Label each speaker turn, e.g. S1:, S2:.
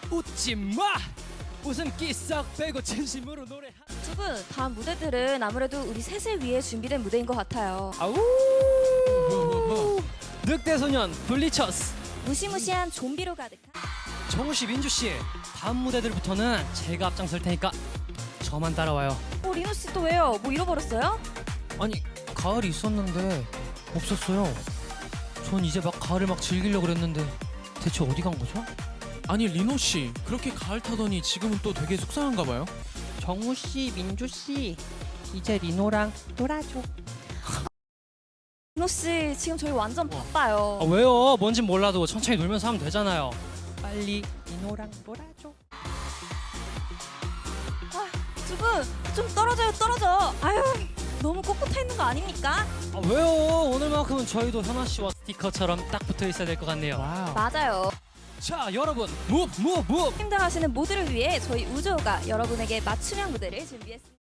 S1: 웃지 마. 웃음기 싹 빼고 진심으로 노래.
S2: 두 분 다음 무대들은 아무래도 우리 셋을 위해 준비된 무대인 것 같아요.
S1: 아우. 늑대소년 블리처스.
S2: 무시무시한 좀비로 가득한
S1: 정우 씨, 민주 씨, 다음 무대들부터는 제가 앞장설 테니까 저만 따라와요.
S2: 리노 씨 또 왜요? 뭐 잃어버렸어요?
S1: 아니, 가을이 있었는데 없었어요. 전 이제 막 가을을 막 즐기려고 그랬는데 대체 어디 간 거죠?
S3: 아니 리노 씨 그렇게 가을 타더니 지금은 또 되게 속상한가 봐요.
S1: 정우 씨, 민주 씨, 이제 리노랑 놀아줘.
S2: 리노 씨 지금 저희 완전 바빠요.
S1: 아, 왜요? 뭔진 몰라도 천천히 놀면서 하면 되잖아요. 빨리 리노랑 놀아줘.
S2: 두 분 좀 떨어져요, 떨어져. 아유, 너무 꼿꼿해 있는 거 아닙니까?
S1: 아, 왜요? 오늘만큼은 저희도 현아 씨와 스티커처럼 딱 붙어 있어야 될 것 같네요.
S3: 와우.
S2: 맞아요.
S1: 자, 여러분, 무브.
S2: 힘들어하시는 모두를 위해 저희 우주호가 여러분에게 맞춤형 무대를 준비했습니다.